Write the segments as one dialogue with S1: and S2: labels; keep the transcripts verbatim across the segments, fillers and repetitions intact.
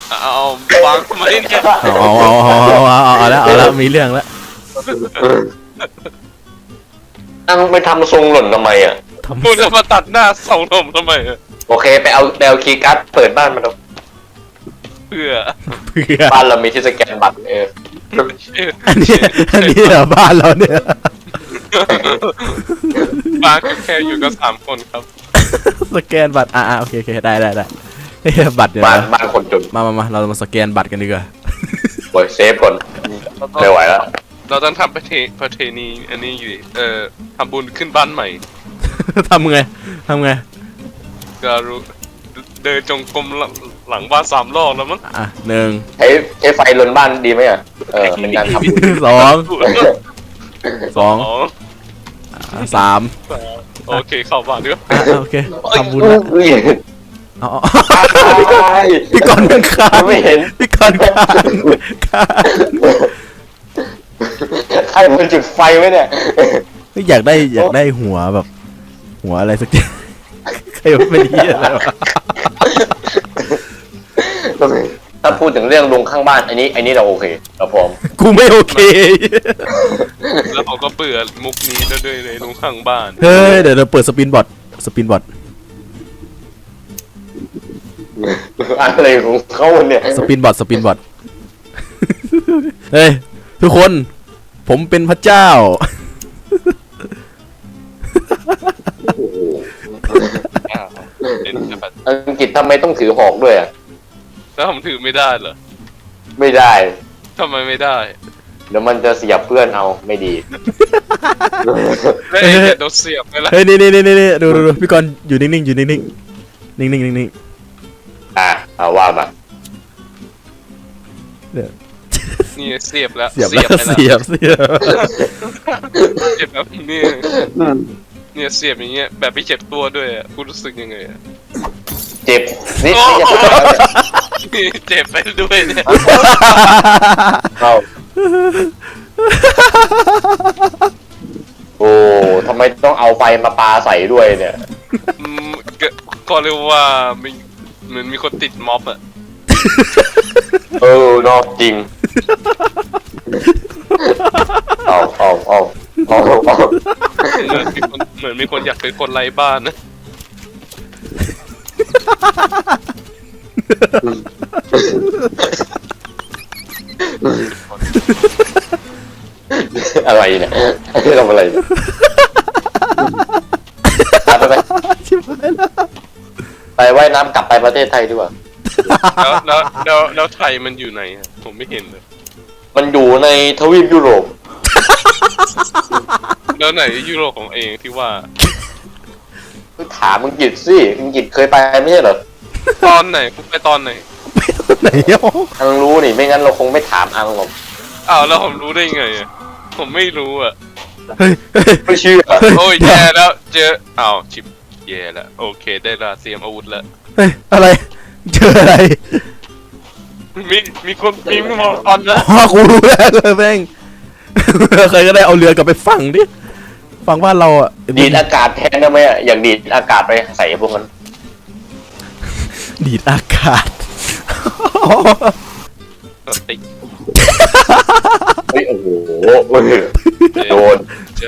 S1: เอาวางทำไมเนี่ย
S2: เอาเอาเอาเอาเอาเอาเอาแล้วเอาแล้วมีเรื่องแล้ว
S3: นั่งไปทำทรงหล่นทำไมอ่ะ
S1: มึงจะมาตัดหน้าสองนมทำไม
S3: โอเคไปเอาไปเอาคีย์การ์ดเปิดบ้านมาดู
S1: เพื่อ
S2: เพื่อ
S3: บ้านเรามีที่สแกนบัตรเออ
S2: อันนี้อันนี้เหรอบ้านเราเนี่ย
S1: บ้านแค่อยู่กันสามคนครับ
S2: สแกนบัตรอ่าโอเคโอเคได้ได้ได้บัตรเนี่ย
S3: บ้านบ้านคนจน
S2: มามามาเรามาสแกนบัตรกันดีกว่า
S3: โอ้ยเซฟก่อนไม่ไหวแล้ว
S1: เราต้องทำประเพประเพณีอันนี้อยู่เอ่อทำบุญขึ้นบ้านใหม่
S2: ทำไงทำไง
S1: ก็รู้เดินจงกรมหลังบ้านสามรอบแล้วมั้ง
S2: อ่ะหนึ่ง
S3: ใช้ใช้ไฟลนบ้านดีไหมอ่ะเออเป็นการทำบุญ
S2: สองสองสาม
S1: โอเคเข้าบ้านด้วย
S2: โอเคทำบุญแล้วอ๋อพี่กรณ์ข้าง
S3: ไม่เห็น
S2: พี่กรณ์ข้างข้าง
S3: ใครมันจุดไฟไว้เนี่ย
S2: อยากได้อยากได้หัวแบบหัวอะไรสักอย่างใครเป็นเหี้ยอะไรวะ
S3: ถ้าพูดถึงเรื่องลุงข้างบ้านอันนี้อันนี้เราโอเคเราพร้อม
S2: กูไม่โอเค
S1: แล้วเขาก็เบื่อมุกนี้ด้วยเลยลุงข้างบ้าน
S2: เฮ้ยเดี๋ยวเราเปิดสปินบอทสปินบอท
S3: อะไรของเขาเนี่ย
S2: สปินบอทสปินบอทเฮ้ยทุกคนผมเป็นพระเจ้า
S3: อังกฤษทำไมต้องถือหอกด้วยอ่ะ
S1: แล้วผมถือไม่ได้เหรอ
S3: ไม่ได้
S1: ทำไมไม่ได้
S3: เดี๋ยวมันจะเสียบเพื่อนเอาไม่ดี
S1: เฮ้ยโดนเสียบไปแล้ว
S2: เฮ้ยนี่นี่นี่นี่ดูดูพี่กรณ์อยู่นิ่งๆอยู่นิ่งๆนิ่งๆนิ่ง
S3: ๆอ่ะเอาว่ามา
S1: นี่เสียบแล้ว
S2: เสียบแล้วเสียบเสียบ
S1: เจ็บแบบนี่เนี่ยเสียบอย่างเงี้ยแบบไม่เจ็บตัวด้วยอ่ะคุณรู้สึกยังไงอ่ะ
S3: เจ็บนี่
S1: เจ็บไปด้วยเนี่ย
S3: เอาโอ้ทำไมต้องเอาไฟมาปาใส่ด้วยเนี่ย
S1: ก็เรียกว่ามีเหมือนมีคนติดม็อบอ่ะ
S3: เออนอกจริงเอาเอาเอาเอาเอา
S1: เหมือนมีคนอยากเป็นคนไร้บ้านนะ
S3: อะไรเนี่ยทำอะไรไปไปไปว่ายน้ำกลับไปประเทศไทยดีกว่า
S1: แล้วแล้วแล้วแล้วไทยมันอยู่ไหนผมไม่เห็นเลย
S3: มันอยู่ในทวีปยุโรป
S1: แล้วไหนยุโรปของเองที่ว่า
S3: ถามอังกฤษสิอังกฤษเคยไปไม่ใช่เหรอ
S1: ตอนไหนไปตอนไหน
S2: ไหนอ่ะ
S3: อังรู้นี่ไม่งั้นเราคงไม่ถามอังหรอก
S1: อ้าวแล้วผมรู้ได้ไงอ่ะผมไม่รู้อ่ะ
S3: ไม่เชื่อ
S1: โอ้ยแย่แล้วเจออ้าวชิบแย่แล้วโอเคได้ละเตรียมอาวุธแล้ว
S2: เฮ้ยอะไรเจออะไร
S1: มีมีคนมีมีมอตอนแล้ว
S2: อ๋อกูรู้แล้วเลยแม่งใครก็ได้เอาเรือกลับไปฝั่งดิฝั่งบ้านเราอ่ะ
S3: ดีดอากาศแทนได้ไหมอ่ะอย่างดีดอากาศไปใส่พวกนั้น
S2: ดีดอากาศ
S1: ติ
S3: เฮ้ยโอ้โหโดน
S1: ใจ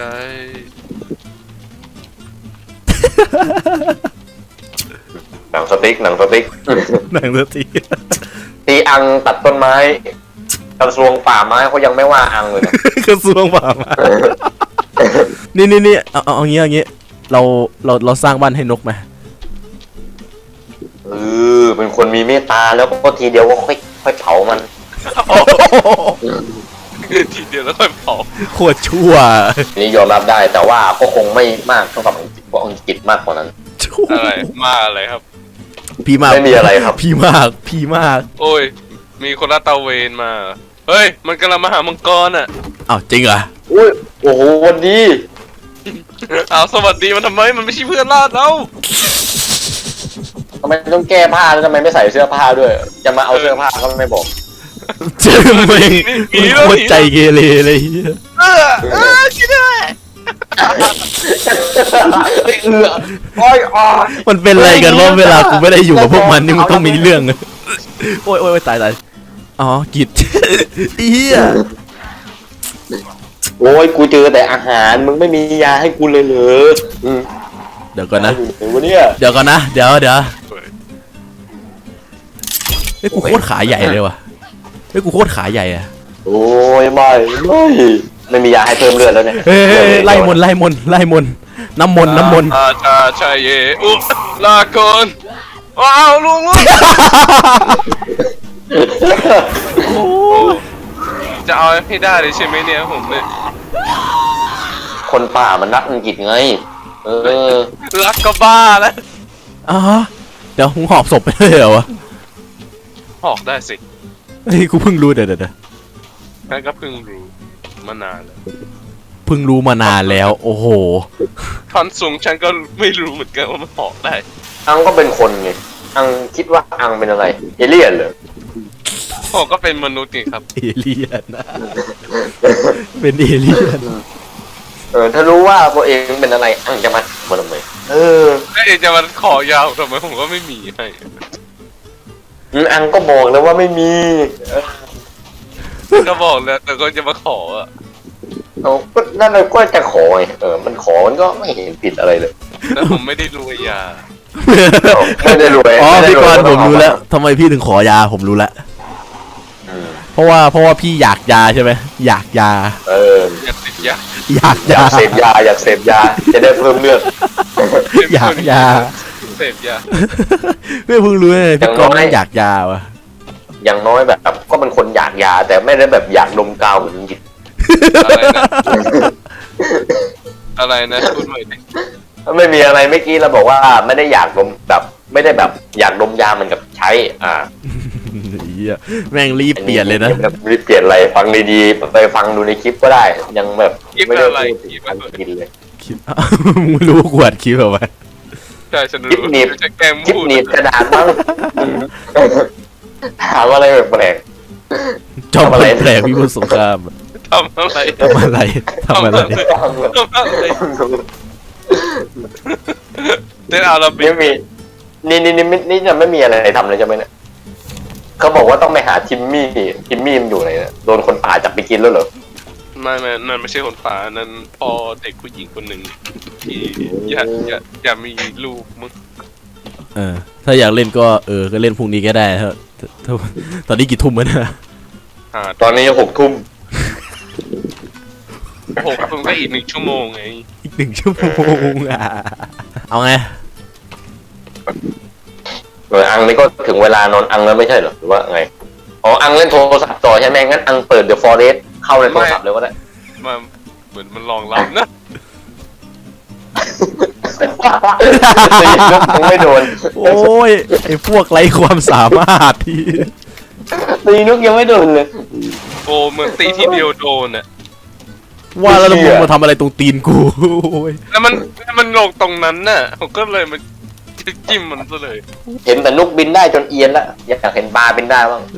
S3: หนังสติ๊กหนังสติ๊ก
S2: หนังสติ๊ก
S3: ตีอังตัดต้นไม้กระทรวงป่าไม้เขายังไม่ว่าอังเลยนะ
S2: กระทรวงป่าไม้นี่นี่นี่เอาเอาอย่างงี้อย่างงี้เราเราเราสร้างบ้านให้นกไหม
S3: เออเป็นคนมีเมตตาแล้วก็ทีเดียวก็ค่อยค่อยเผามัน
S1: ทีเดียวแล้วค่อยเผา
S2: โคตรชั่ว
S3: นี่ยอมรับได้แต่ว่าก็คงไม่มากเท่ากับอังกฤษเพราะอังกฤษมากกว่านั้น
S1: อะไรมากอะไรครับ
S2: พี่มาก
S3: ไม่มีอะไรครับ
S2: พี่มากพี่มาก
S1: โอ้ยมีคนละตะเวนมาเฮ้ยมันกำลังมาหามังกรอ่ะ
S2: อ้าวจริงเหรอ
S3: อุ้ยโอ้โหวันดี
S1: อ้าวสวัสดีมันทำไมมันไม่ใช่เพื่อนล่าเรา
S3: ทำไมต้องแก้ผ้าแล้วทำไมไม่ใส่เสื้อผ้าด้วยจะมาเอาเสื้อผ้าก็ไม่บอก
S2: เจอไหมมีโคตรใจเกเรเลย
S1: เออเออคิดได้
S3: เอืออ้อยอ้อ
S2: มันเป็นอะไรกันว่าเวลากูไม่ได้อยู่กับพวกมันนี่มันต้องมีเรื่องโอ้ยโอ้ยตายตายอ๋อกิดเฮีย
S3: โอ้ยกูเจอแต่อาหารมึงไม่มียาให้กูเลยเหรออืม
S2: เดี๋ยวก่อนนะ
S3: เดี๋ยววันเนี้ย
S2: เดี๋ยวก่อนนะเดี๋ยวเดี๋ยวเฮ้ยกูโคตรขาใหญ่เลยว่ะเฮ้ยกูโคตรขาใหญ่อะ
S3: โอ้ยไม่ไม่ไม่มียาให้เพิ่มเลือดแล้วเนี่ย
S2: เฮ้ยไล่มนไล่มนไล่มนน้ำมนน้ำมน
S1: อาชาชายเยอุลาก่อนว้าวลุงลุงจะเอาให้ได้เลยใช่ไหมเนี่ยผมเนี่ย
S3: คนป่ามันรักอังกฤษไงเออ
S1: รักก็บ้าแล้ว
S2: อ๋อเดี๋ยวมึงหอบศพไปเลยเหรอวะ
S1: ออกได้สิ
S2: เฮ้ยกูเพิ่งรู้เดี๋ยวเดี๋ยว
S1: นั่นก็เพิ่งรู้มานานแล้ว
S2: เพิ่งรู้มานานแล้วโอ้โห
S1: ท่อนสูงฉันก็ไม่รู้เหมือนกันว่ามันออกได้
S3: อังก็เป็นคนไงอังคิดว่าอังเป็นอะไรเอเลี่ยนเหรอ
S1: ออกก็เป็นมนุษย์ไงครับ
S2: เอเลี่ยนนะเป็นเอเลี่ยน
S3: เออถ้ารู้ว่าตัวเองเป็นอะไรอังจะมามาทำไมเออ
S1: ถ้าเองจะมาขอยาวทำไมผมก็ไม่มีให้
S3: อืมอังก็บอกแล้วว่าไม่มีเออ
S1: ก็บอกแล้วแต่ก็จะมาขออ่ะ
S3: เอาก็นั่นเลยก็จะขอไงเออมันขอมันก็ไม่เห็นผิดอะไรเลย
S1: แต่ผมไม่ได้รวยยา
S3: ไม่ได้รวย
S2: อ๋อ
S3: ไม่ได้
S2: พี่กรณ์
S3: ย
S2: ผมรู้แล้วทำไมพี่ถึงขอยาผมรู้แล้ว
S3: อืม
S2: เพราะว่าเพราะว่าพี่อยากยาใช่ไหมอยากยา
S3: เออ
S1: อยากติดยา
S2: อยากาย
S3: อยากเสพยาอยากเสพยาจะได้เพิ่มเลือด
S2: อยากยา
S1: เสพยา
S2: ไม่เพิ่งรู้เลยพี่กรณ์
S3: อย่างน้อย
S2: ไม่อยากยาวะ
S3: อย่างน้อยแบบก็เป็นคนอยากยา แต่ไม่ได้แบบอยากดมกาวเหมือนยิด
S1: อะไรนะอะไรนะพูดใหม่ดิ
S3: ไม่มีอะไรเมื่อกี้เราบอกว่าไม่ได้อยากดมแบบไม่ได้แบบอยากดมยาเหมือนกับใช้ อ่า
S2: เหี้ยแม่งรีบเปลี่ยนเลยนะ
S3: รีบเปลี่ยนอะไรฟังดีๆไปฟังดูในคลิปก็ได้ ยังแบบ
S1: คิด
S3: ไม่ได้
S1: อะไร
S3: พูด
S1: คิด
S3: อัน
S1: อะไร
S3: กินเลย
S2: คลิป มึงรู้กวดคลิปเหรอวะ
S1: ใช่ฉัน
S3: คลิป
S1: รู้
S3: หนีบ
S1: จะแกล้ง
S3: คลิป
S1: พูด
S3: หนีบกระดาษบ้างถามอะไรแปลก
S2: จอม
S3: ทำอะไร
S2: แปลกๆพี่บุญสงคราม
S1: ทำอะไร
S2: ทำอะไรทำอะไร
S3: ๆ
S1: ทำอะไรเต้นอาราบิ
S3: ไม่
S1: ก
S3: มีนี่นี่นี่นี่นี่จะไม่มีอะไรทำเลยใช่ไหมเนี่ยเขาบอกว่าต้องไปหาทิมมี่ทิมมี่มันอยู่ไหนเนี่ยโดนคนป่าจับไปกินแล้วเหรอ
S1: ไม่ไม่นั่นไม่ใช่คนป่านั่นพ่อเด็กผู้หญิงคนหนึ่งที่อยากอยากอยากมีลูกมึง
S2: เออถ้าอยากเล่นก็เออก็เล่นพรุ่งนี้ก็ได้ถ้าถ้าตอนนี้กี่ทุ่มแล้วนะ
S1: หา
S3: ตอนนี้หกทุ่ม
S1: หกทุ่มก็อีกหนึ่งชั่วโมงไง
S2: อีกหนึ่งชั่วโมงอ่ะเอาไง
S3: เอออังนี่ก็ถึงเวลานอนอังแล้วไม่ใช่เหรอหรือว่าไงอ๋ออังเล่นโทรศัพท์ต่อใช่ไหมงั้นอังเปิด The Forest เข้าในโทรศัพท์เลยก็ได้
S1: มาเหมือนมันลองรับนะ
S3: ตีนกยังไม่โดน
S2: โอ้ยไอ้พวกไร้ความสามารถที่
S3: ตีนกยังไม่โดนเลย
S1: โอ้เหมือนตีทีเดียวโดนอ่ะ
S2: ว่าแล้วมึงมาทำอะไรตรงตีนกูโอ้ย
S1: แล้วมันแล้วมันลงตรงนั้นน่ะผมก็เลยมันจิ้มมันซะเลย
S3: เห็นแต่นกบินได้จนเอียนแล้วอยากเห็นปลาบินได้บ้าง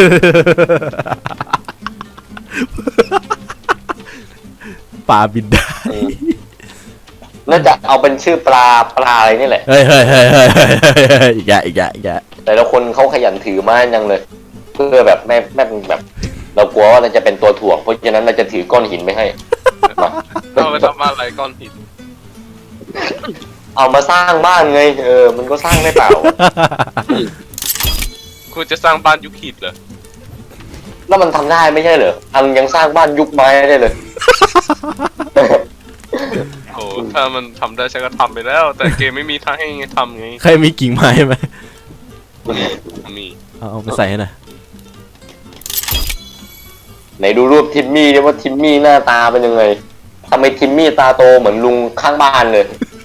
S2: ปลาบินได้
S3: น่าจะเอาเป็นชื่อปลาปลาอะไรนี่แหละ
S2: เฮ้ยเฮ้ยเฮ้ยเฮ้ยเฮ้ยเฮ้ยอีกแกอีกแกอีกแก
S3: แต่ละคนเขาขยันถือไม้ยังเลย เพื่อแบบไม่ไม่แบบ เรากลัวว่าเราจะเป็นตัวถ่วงเพราะฉะนั้นเราจะถือก้อนหินไม่ให้มา
S1: เอาไปทำอะไรก้อนหิน
S3: เอามาสร้างบ้านไงเออมันก็สร้างได้เปล่า
S1: คุณจะสร้างบ้านยุคหินเหรอ
S3: แล้วมันทำได้ไม่ใช่เหรออังยังสร้างบ้านยุคไม้ได้เลย
S1: โอ้ถ้ามันทำได้ฉันก็ทำไปแล้ว แต่เกมไม่มีทางให้ทำไง
S2: ใครมีกิ่งไม้ไหม
S1: มีมี
S2: เอาเอาไปใส่ให้หน่อย
S3: ไหนดูรูปทิมมี่ดิว่าทิมมี่หน้าตาเป็นยังไงทำไมทิมมี่ตาโตเหมือนลุงข้างบ้านเลย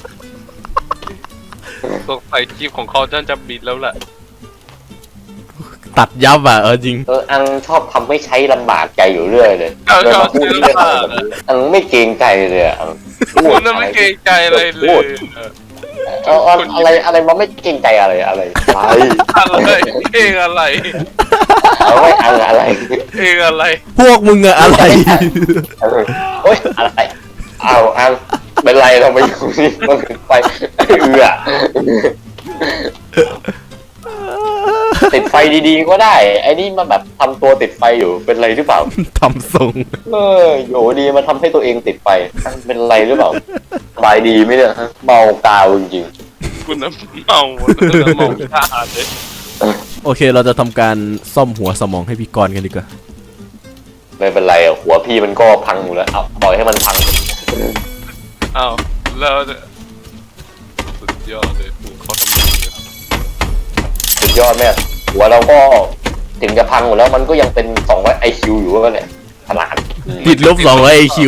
S1: สงสัยคลิปของเขาจะจะบิดแล้วแหละ
S2: ตัดยับอ่ะเออจริง
S3: เอออังชอบทำให้ใช้ลำบากใจอยู่เรื่อยเลย
S1: เอา
S3: เลย
S1: ชอ
S3: มา
S1: บ
S3: พูด
S1: ซื้อ
S3: เรื่อง
S1: ผ้า
S3: อะไรแบบนี้อังไม่เกรงใจเลยอะอัง
S1: คุณน่ะไม่เกรงใจอะไรเลย
S3: เอาเอาอะไรอะไรมาไม่เกรงใจอะไรอะไรอะไร
S1: อะไรเองอะไร
S3: เอาไว้อังอะไร
S1: เองอะไร
S2: พวกมึงอะอะไร
S3: เออโอ๊ยอะไรเอาอังเป็นไรเราไปอยู่นี่มันไปเอือติดไฟดีๆก็ได้ไอ้นี่มาแบบทำตัวติดไฟอยู่เป็นไรหรือเปล่า
S2: ทำทรง
S3: เออโยดีมาทำให้ตัวเองติดไฟเป็นไรหรือเปล่าสบายดีไหมเนี่ยฮะเมากาวจริง
S1: คุณน้ำเมาเมาท่าเลย
S2: โอเคเราจะทำการซ่อมหัวสมองให้พี่กรณ์กันดีกว่า
S3: ๆไม่เป็นไรอ่ะหัวพี่มันก็พังอยู่แล้วเอาปล่อยให้มันพัง
S1: อ้าวแล้วสุดยอดเลยเขาทำยังไง
S3: สุดยอดแม่หัวเราก็ถึงจะพังหมดแล้วมันก็ยังเป็นสองร้อยไอคิวอยู่ว่าเนี่ยขนาด
S2: ติดลบสองร้อยไอคิว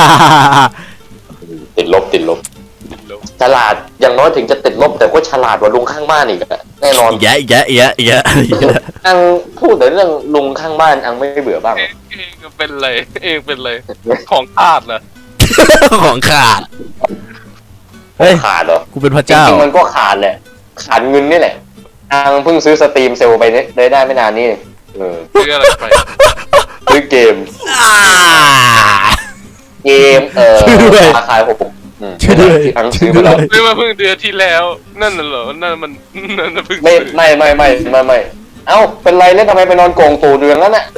S3: ติดลบติดลบฉลาดอย่างน้อยถึงจะติดลบแต่ก็ฉลาดกว่าลุงข้างบ้านอีกอะแน่นอน
S2: แยะแยะแยะแยะแยะ
S3: อังพูดแต่เรื่องลุงข้างบ้านอังไม่เบื่อบ้าง
S1: เองเองก็เป็นไรเองเป็นไรของทาดเหรอ
S2: ของขาด เฮ้ย
S3: ขาดเหรอ
S2: กูเป็นพระ
S3: จ
S2: เจ้า
S3: ริงๆมันก็ขาดแหละขาดเงินนี่แหละอังเพิ่งซื้อสตรีมเซลล์ไปได้ได้ไม่นานนี่เออ
S1: ซื้ออะไรไป
S3: ซื้อเกม
S2: อ่า
S3: เกมเอ่อ
S2: ช่วยด้วย
S3: ราคาหกอืม
S2: ช่วยด้วย
S3: ที่อังซื้อไปแล้ว
S1: ซื้อมาเพิ่งเดือนที่แล้ว นั่นน่ะเหรอนั่นมันนั่นน่ะเพิ่ง
S3: ไม่
S1: ซื้อ
S3: ไม่ไม่ไม่ไม่ไม่เอ้าเป็นไรเล่นทำไมไปนอนโกงตูเดืองนั่นน่ะ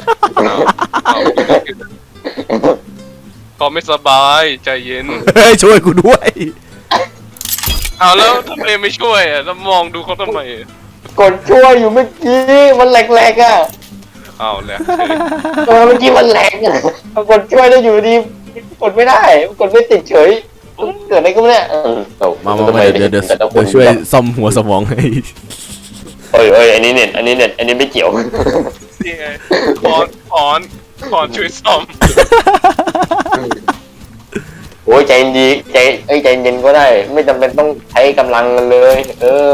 S1: เขาไม่สบายใจเย็น
S2: เฮ้ยช่วยกูด้วย
S1: เอาแล้วทำไมไม่ช่วยอ่ะแล้วมองดูเขาทำไมอ่ะ
S3: กดช่วยอยู่เมื่อกี้มันแหลกๆอ่ะ
S1: เอาแล้ว
S3: เออเมื่อกี้มันแหลกอ่ะกดช่วยได้อยู่ดีกดไม่ได้กดไม่ติดเฉยเกิดอะไรก็ไม่ได้เออเอ
S2: มามามาเดี๋ยวเดี๋ยวเดี๋ยวเดี๋ยวช่วยซ่อมหัวสมองให้
S3: เอ้ยเอ้ยอันนี้เน็ตอันนี้เน็ตอันนี้ไม่เกี่ยว
S1: นี่ไงขอนขอนขอนช่วยซ่อม
S3: โอ้ยใจเย็นดีใจเอ้ยใจเย็นก็ได้ ไม่จำเป็นต้องใช้กำลังกันเลย เออ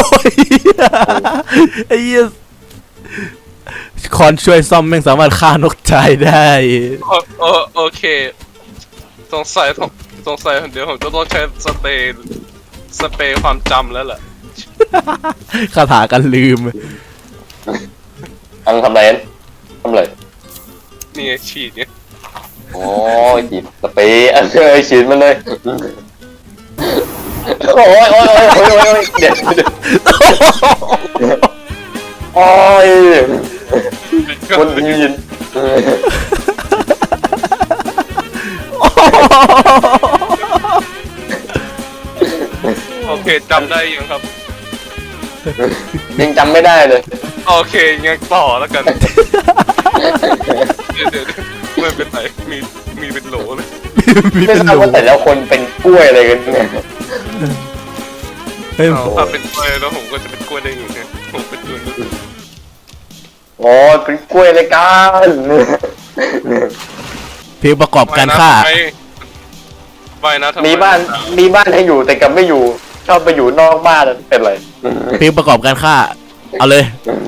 S2: ไอ้เหี้ยคอนช่วยซ่อมแม่งสามารถฆ่านกตายได้
S1: โอโอโอเคสงสัยสงสงสัยเดี๋ยวผมจะต้องใช้สเปรย์สเปรย์ความจำแล้วแหละ
S2: คาถากันลืม
S3: อังทำอะไรนั้นทำอะไร
S1: นี่ไงฉีดเนี่ย
S3: โอ้ยฉีดสเปรย์อันเอ้ยฉีดมันเลยโอ้ยโอ้ยโอ้ยโอ้ยโอ้ยเดี๋ยวเดี๋ยวโอ้ยคนยืน
S1: โอเคจำได้ยังครับ
S3: ยังจำไม่ได้เลย
S1: โอเคงั้นต่อแล้วกันเดี๋ยวเดี๋ยวเดี๋ยวไม่เป็นไรมีมีเป็นโหลเลย
S2: มี
S3: ไม่
S2: เป็น
S3: ทราบ
S2: หนู
S3: ว่าแต่แล้วคนเป็นกล้วยอะไรกันเนี่ย
S2: เฮ้ย
S1: เอาถ้าเป็นกล้วยแล้วผมก็จะเป็นกล้วยได้ยังไงผมเป็นกล้วยด้วย
S3: โอ้ยเป็นกล้วยอะไรกัน
S2: เพลงประกอบการฆ่า
S1: ไปนะทำไม
S3: มีบ้านมีบ้านให้อยู่แต่กลับไม่อยู่ชอบไปอยู่นอกบ้านเป็นไร
S2: เพลงประกอบการฆ่า เอาเลย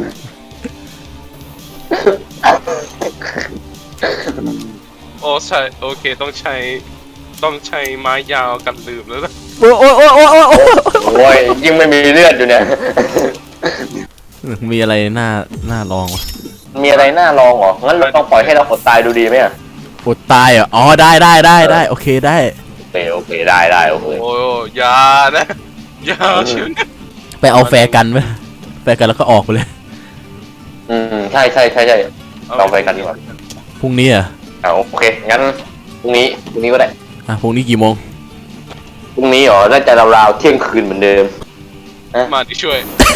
S1: โอ้ใช่โอเคต้องใช้ต้องใช้ไม้ยาวกันลืมแล้วนะ
S2: โอ้ยโอ้ยโอ้ยโอ้ยโอ้ยโอ้ย
S3: โอ้ยยิ่งไม่มีเลือดอยู่เนี่ย
S2: มีอะไรน่าน่าลองวะ
S3: มีอะไรน่าลองเหรองั้นเราต้องปล่อยให้เราอดตายดูดีไหมอ่ะ
S2: อดตายเหรออ๋อได้ได้ได้ได้โอเคได้
S3: โอเคโอเคได้ได้โอเค
S1: โอ้ยอยานะอยาเชียวนะ
S2: ไปเอาแฟร์กันไหมแฟร์กันแล้วก็ออกไปเลย
S3: อืมใช่ใช่ใช่ใช่เราไปกันดีกว่า
S2: พรุ่งนี้อ่ะ
S3: เอาโอเคงั้นพรุ่งนี้พรุ่งนี้ก็ได้
S2: อ่ะพรุ่งนี้กี่โมง
S3: พรุ่งนี้เหรอน่าจะราวๆเที่ยงคืนเหมือนเดิม
S1: มาที่ช่วย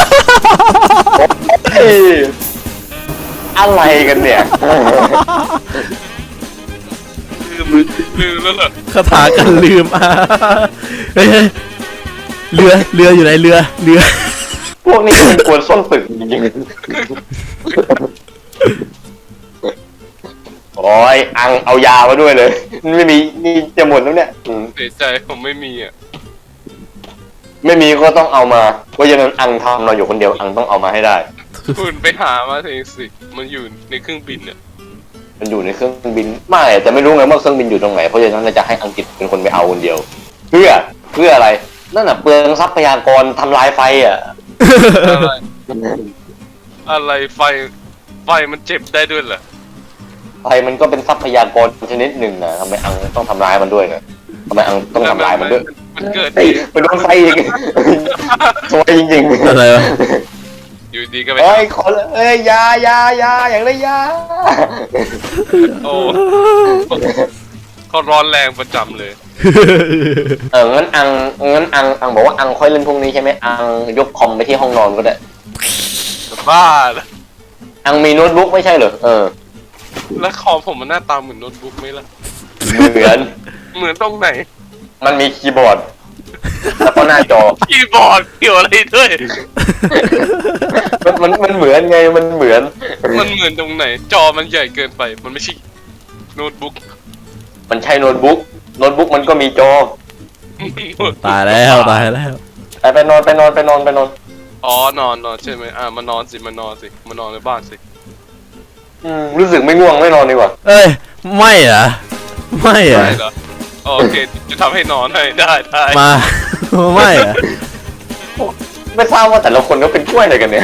S3: เฮ้ยอะไรกันเนี่ย
S1: ลืมลืมแล้วเหรอ
S2: คาถากันลืมอ่ะเฮ้ยเฮ้ยเรือเรืออยู่ไหนเรือเรือ
S3: พวกนี้มันกวนส้นตึกจริงๆโอ้ยอังเอายามาด้วยเลยไม่มีนี่จะหมดแล้วเนี่ยอืม
S1: เสียใจผมไม่มีอ่ะ
S3: ไม่มีก็ต้องเอามาเพราะฉะนั้นอังทำเราอยู่คนเดียวอังต้องเอามาให้ได้
S1: คุณไปหามาเองสิมันอยู่ในเครื่องบินเนี่ย
S3: มันอยู่ในเครื่องบินไม่แต่ไม่รู้ไงว่าเครื่องบินอยู่ตรงไหนเพราะฉะนั้นเราจะให้อังกฤษเป็นคนไปเอาคนเดียว เพื่อเพื่ออะไรนั่นน่ะเปลืองทรัพยากรทำลายไฟอ่ะ
S1: อะไรอะไรไฟไฟมันเจ็บได้ด้วยเหรอ
S3: ไฟมันก็เป็นทรัพยากรชนิดหนึ่งนะทำไมอังต้องทำลายมันด้วยนะทำไมอังต้องทำลายมันด้วย
S1: มันเกิด
S3: เฮ้ยไปโดนไฟอีก สวยจริงๆ
S2: อะไรวะ
S1: อยู่ดีก็ไป
S3: เอ้ยขอเลยเอ้ยยายายาอย่างไรยา
S1: โอ้เขาร้อนแรงประจำเลย
S3: เอองั้นอังงั้นอังอังบอกว่าอังค่อยเล่นพรุ่งนี้ใช่ไหมอังยกคอมไปที่ห้องนอนก็ได้
S1: บ้าแล้ว
S3: อังมีโน้ตบุ๊กไม่ใช่เหรอเออ
S1: แล้วคอมผมมันหน้าตาเหมือนโน้ตบุ๊กไหมล่ะ
S3: เหมือน
S1: เหมือนตรงไหน
S3: มันมีคีย์บอร์ดแล้วก็หน้าจอ
S1: คีย์บอร์ดเกี่ยวอะไรด้วย
S3: มันมันมันเหมือนไงมันเหมือน
S1: มันเหมือนตรงไหน จอมันใหญ่เกินไป มันไม่ใช่โน้ตบุ๊ก
S3: มันใช่โน้ตบุ๊กโน้ตบุ๊กมันก็มีจอ
S2: ตายแล้วตายแล้ว
S3: ไปไปนอนไปนอนไปนอนไปนอน
S1: อ๋อนอนนอนใช่ไหมอ่ามานอนสิมานอนสิมานอนในบ้านสิ
S3: อืมรู้สึกไม่ง่วงไม่นอนดีกว่า
S2: เอ้ยไม่เหรอไม่เหรอ
S1: ได้เหรออ๋อโอเคจะทำให้นอนให้ได้ได้
S2: มาไม่เหรอ
S3: ไม่ทราบว่าแต่ละคนก็เป็นกล้วยอะไรกันเนี่ย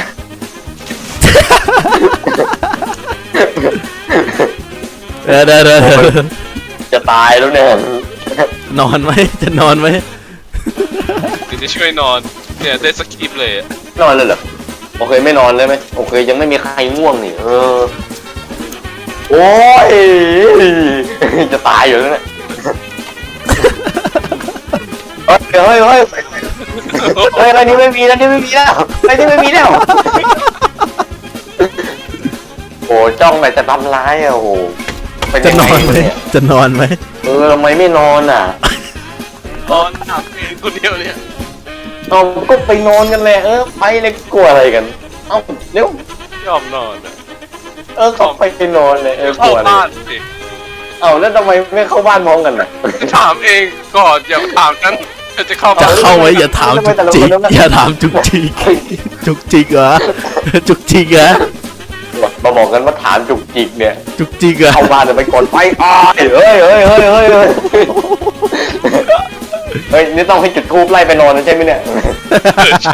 S2: เดี๋ยวเดี๋ยวเดี๋ยว
S3: จะตายแล้วเนี่ย
S2: นอนไหมจะนอนไหม
S1: เดี๋ยวจะช่วยนอนเนี่ยได้สคริปต์เลยอะ
S3: นอนเลยเหรอโอเคไม่นอนเลยไหมโอเคยังไม่มีใครง่วงนี่เออโอ้ยจะตายอยู่แล้วเนี่ยเฮ้ยเฮ้ยเฮ้ยเฮ้ยอะไรนี่ไม่มีแล้วนี่ไม่มีแล้วอะไรนี่ไม่มีแล้วโอ้จ้องไหนจะทำร้ายอ่ะโอ้โหเป็น
S2: จะ
S3: ยัง
S2: น
S3: ไง
S2: อนไหม
S3: เนี่ย
S2: จะนอนไหม
S3: เออทำไมไม่นอนอ่ะ
S1: นอนหนับเองคนเดียวเนี่ย
S3: เอาก็ไปนอนกันเลยเออไปเลยกลัวอะไรกันเอ้าเร็วย
S1: อมนอนอะ
S3: เออเขาไปนอนเลยเออก
S1: เข้า
S3: ลัวอะไร
S1: บ้านสิ
S3: เอ้าแล้วทำไมไม่เข้าบ้านพร้อมกันน่ะ
S1: ถามเองก่อนอย่าถามกันจะเข้า
S2: จะ
S1: บ้าน
S2: เข้าไว้อย่าถามจุกจิกอย่าถามจุกจิกจุกจิกเหรอจุกจิกเหรอ
S3: มาบอกกันว่าถามจุกจิกเนี่ย
S2: จุกจิกเหรอ
S3: เข้าบ้านจะไปกดไฟอ้ายเฮ้ยเฮ้ยเฮ้ยเฮ้ยเฮ้ยเฮ้ยนี่ต้องให้จุดทูบไล่ไปนอนนะใช่ไหมเนี่ย
S1: เออใช่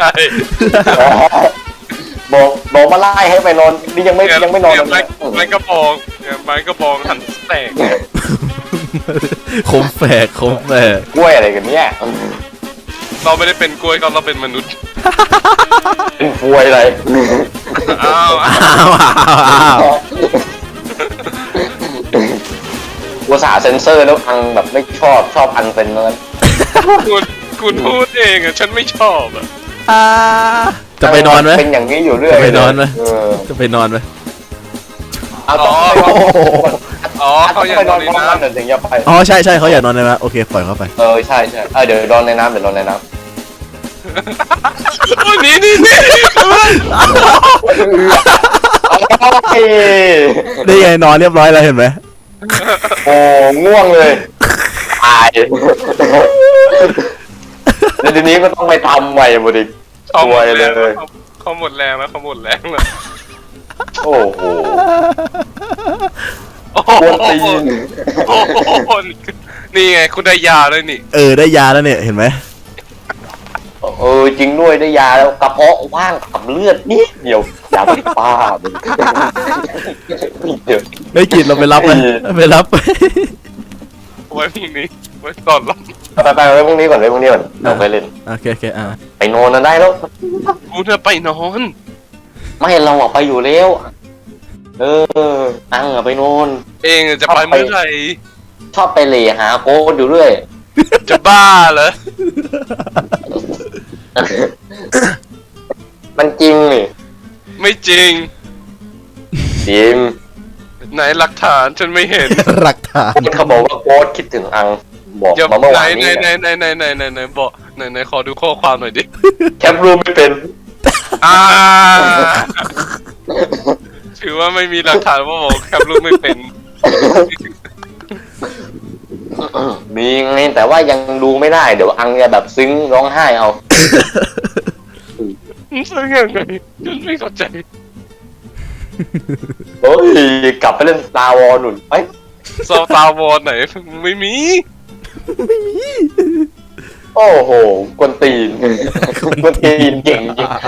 S3: บอกบอกมาไล่ให้ไปนอนนี่ยังไม่ยังไม่นอน
S1: เย
S3: เล
S1: ไม้
S3: ย
S1: ไม้กระบองเนี่ยไม้กระบองหันแตก
S2: คมแฝกคมแฝก
S3: กล้วยอะไรกันเนี่ย
S1: เราไม่ได้เป็นกล้วยก็เราเป็นมนุษย์
S3: เป็นกล้วยอะไร
S1: อ้าว
S2: อ้าวอ้าวอ้าว
S3: ภาษาห์เซนเซอร์แล้วอังแบบไม่ชอบชอบอันเป็นนั้น
S1: คุณคุณพูดเองอะฉันไม่ชอบอะ
S2: อ่าจะไปนอนไหม
S3: เป็นอย่างนี้อยู่เรื่อย
S2: จะไปนอนไหม
S3: เออ
S2: จะไปนอนไหม
S3: เอาต้องไปนอน
S1: อ๋อ
S3: ต้
S1: เขา
S3: อง
S1: อยาก
S3: ไป
S1: น
S3: น
S1: อ
S3: อน น
S1: ใน
S3: พร้อม
S1: น้
S3: กันเดี๋ยวถึงจะไป
S2: อ๋อใช่ใช่เขาอยากนอนในน้ำโอเคปล่อยเขาไป
S3: เออใช่ใช่เออเดี๋ยวนอนในน้ำเดี๋ยวนอนในน้ำ
S1: ำโอ้ยนี่นี่นี่
S3: โอ้ย
S2: ได้ไงนอนเรียบร้อยแล้วเห็นไหม
S3: โอ้ง่วงเลยตายแล้วทีนี้ก็ต้องไปทำใหม่หมดอีก
S1: เขาหมด
S3: เล
S1: แรง
S3: ย
S1: แล้วเขาหมดแรงแล้วเขาหมดแรงแล้ว
S3: โอ้โห
S1: โอ้
S3: กวนตี
S1: โห
S3: น
S1: โอ้โหนี่ไงคุณได้ยาเลยนี่
S2: เออได้ยาแล้วเนี่ยเห็นไหม
S3: เออจริงด้วยได้ยาแล้วกระเพาะว่างกับเลือดนิดเดียวยาเป็นป้ามึงเดี๋ยว
S2: ได้กินเราไปรับไหมไปรับ
S1: ไว้พรุ่งนี้ไว้ตอนรับ
S3: ไปไปไปพรุ่งนี้ก่อนไปพรุ่งนี้ก่อนเราไปเล่น
S2: โอเคโอเคอ่า
S3: ไปนอนกันได้แล้ว
S1: กูจะไปนอน
S3: ไม่เราอะไปอยู่แล้ว เอออังอะไปนอน
S1: เองจะไปเมื่อไหร่
S3: ชอบไปเหล่หาโค้ดอยู่เรื่อย
S1: จะบ้าเหรอ
S3: มันจริงนี่
S1: ไม่จริง
S3: จริง
S1: ไหนหลักฐานฉันไม่เห็น
S2: หลักฐาน
S3: เขาบอกว่าโค้ดคิดถึงอังบอก
S1: เดี๋ยว
S3: มาเมื่อ
S1: ไหน
S3: วาน
S1: ไหน
S3: นี้
S1: ไหนไหนไหนไหนไหนไหนบอกไหนไหนขอดูข้อความหน่อยดิ
S3: แคปรูปไม่เป็น
S1: อ่าถือว่าไม่มีหลักฐานว่าบอกแคปรูปไม่เป็น
S3: มีไงแต่ว่ายังดูไม่ได้เดี๋ยวอังจะแบบซึ้งร้องไห้เอา
S1: ซึ่งยังไงฉันไม่เข้าใจ
S3: โอ้ยกลับไปเล่น Star Wars หนุนไป
S1: ซอฟตาวอร์ไหนไม่มี
S3: โอ้โหกวนตีน กวนตีนเก่งจริง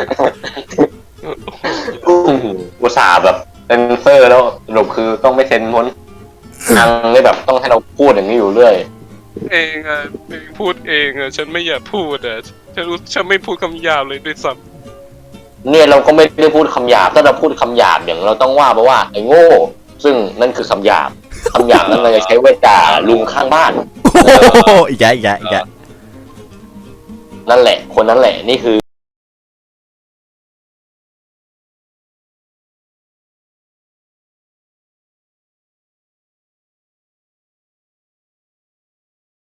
S3: อุตส่าห์แบบเซนเซอร์แล้วสรุปคือต้องไม่เซ็นพ้นอังเลยแบบต้องให้เราพูดอย่างนี้อยู่เรื่อย
S1: เองอ่ะเองพูดเองอ่ะฉันไม่อยากพูดอ่ะฉันรู้ฉันไม่พูดคำหยาบเลยด้วยซ้
S3: เนี่ยเราก็ไม่ได้พูดคำหยาบถ้าเราพูดคำหยาบอย่างเราต้องว่าเพราะว่าไอ้โง่ซึ่งนั่นคือคำหยาบคำหยาบนั้นเราจะใช้ไว้ด่าลุงข้างบ้าน
S2: โอ้โหอีกแกอีกแกอีกแก
S3: นั่นแหละคนนั้นแหละนี่คือ